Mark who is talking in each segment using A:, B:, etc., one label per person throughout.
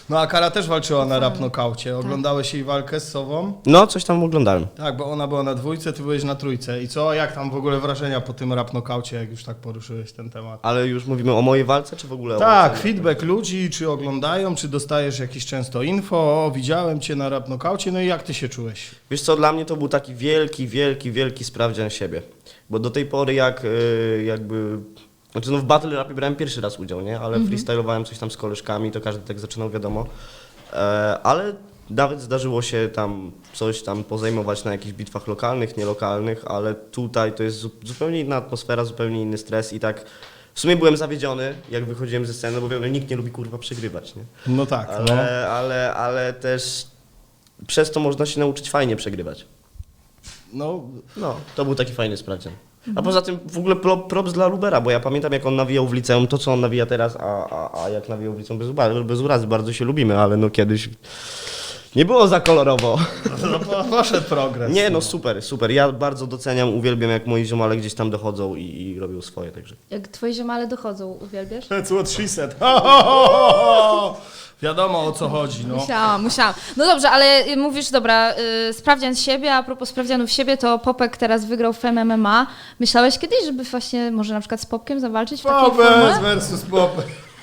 A: No a Kara też walczyła na rap nokaucie. Oglądałeś jej walkę z Sową?
B: No, coś tam oglądałem.
A: Tak, bo ona była na 2, ty byłeś na 3. I co, jak tam w ogóle wrażenia po tym rap nokaucie, jak już tak poruszyłeś ten temat?
B: Ale już mówimy o mojej walce, czy w ogóle o
A: Tak,
B: walce?
A: feedback ludzi, czy oglądają, czy dostajesz jakieś często info, o widziałem cię na rap nokaucie, no i jak ty się czułeś?
B: Wiesz co, dla mnie to był taki wielki sprawdzian siebie. Bo do tej pory jakby... Znaczy no w battle rapie brałem pierwszy raz udział, nie? Ale freestylowałem coś tam z koleżkami, to każdy tak zaczynał, wiadomo. Ale nawet zdarzyło się tam coś tam pozajmować na jakichś bitwach lokalnych, nielokalnych, ale tutaj to jest zupełnie inna atmosfera, zupełnie inny stres i tak... W sumie byłem zawiedziony, jak wychodziłem ze sceny, bo wiem, nikt nie lubi kurwa przegrywać, nie?
A: No tak,
B: Ale też przez to można się nauczyć fajnie przegrywać.
A: no
B: To był taki fajny sprawdzian. A poza tym w ogóle props dla Lubera, bo ja pamiętam jak on nawijał w liceum, to co on nawija teraz, a jak nawijał w liceum bez urazy, bardzo się lubimy, ale no kiedyś nie było za kolorowo.
A: no poszedł progres.
B: Nie no super, ja bardzo doceniam, uwielbiam jak moi ziomale gdzieś tam dochodzą i robią swoje, także.
C: Jak twoi ziomale dochodzą, uwielbiasz?
A: That's what she said. Ho, ho, ho, ho. Wiadomo o co chodzi, no.
C: Musiałam. No dobrze, ale mówisz, dobra, sprawdzian siebie, a propos sprawdzianów siebie, to Popek teraz wygrał w MMA. Myślałeś kiedyś, żeby właśnie może na przykład z Popkiem zawalczyć w takiej
A: Popes
C: formule?
A: versus Popes.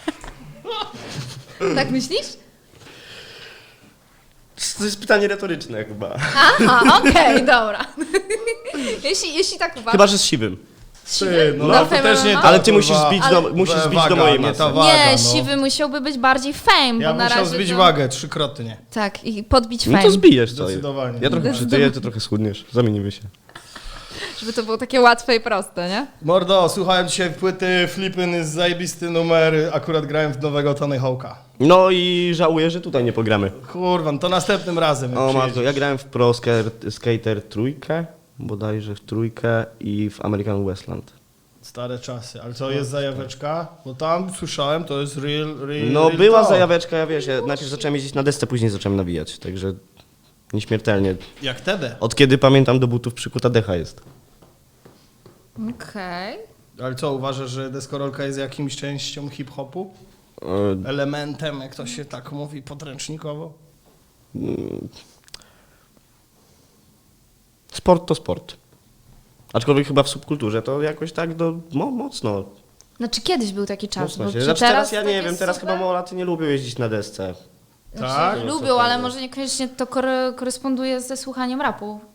C: Tak myślisz?
B: To jest pytanie retoryczne chyba.
C: Aha, okej, dobra. jeśli tak uważasz.
B: Chyba, że z siwym.
A: Ty, no,
C: Na
A: to też nie
C: MMA?
A: ta,
B: Ale ty musisz
A: kurwa,
B: zbić
A: waga,
B: do mojej
A: nie
B: masy.
A: ta waga,
C: Nie,
A: no.
C: siwy musiałby być bardziej fame,
A: Ja
C: bo na
A: musiał
C: razie
A: zbić
C: to...
A: wagę 3-krotnie.
C: Tak, i podbić
B: No
C: fame,
B: to zbijesz co?
A: Zdecydowanie.
B: Ja trochę przytyję, ty trochę schudniesz. Zamienimy się.
C: żeby to było takie łatwe i proste, nie?
A: Mordo, słuchałem dzisiaj płyty Flippin' jest zajebisty numer, akurat grałem w nowego Tony Hawk'a.
B: No i żałuję, że tutaj nie pogramy.
A: Kurwa, no to następnym razem. jak
B: O matko,
A: przyjedziesz.
B: ja grałem w Pro Skater trójkę, bodajże w trójkę i w American Westland.
A: Stare czasy, ale co jest zajaweczka? Bo tam słyszałem, to jest real
B: No
A: real
B: była
A: talk.
B: zajaweczka, ja wiesz, ja najpierw zacząłem jeździć na desce, później zacząłem nawijać, także nieśmiertelnie.
A: Jak wtedy.
B: Od kiedy pamiętam do butów przykuta decha jest.
C: Okej.
A: Ale co, uważasz, że deskorolka jest jakimś częścią hip-hopu? Elementem, jak to się tak mówi, podręcznikowo?
B: Sport to sport. Aczkolwiek chyba w subkulturze to jakoś tak mocno.
C: Znaczy kiedyś był taki czas,
B: mocno
C: bo
B: się.
C: czy
B: Znaczy teraz ja
C: tak
B: nie
C: jest
B: wiem, teraz
C: super?
B: chyba małolaty nie lubią jeździć na desce.
C: Znaczy,
A: Tak?
C: lubią, ale może niekoniecznie to koresponduje ze słuchaniem rapu.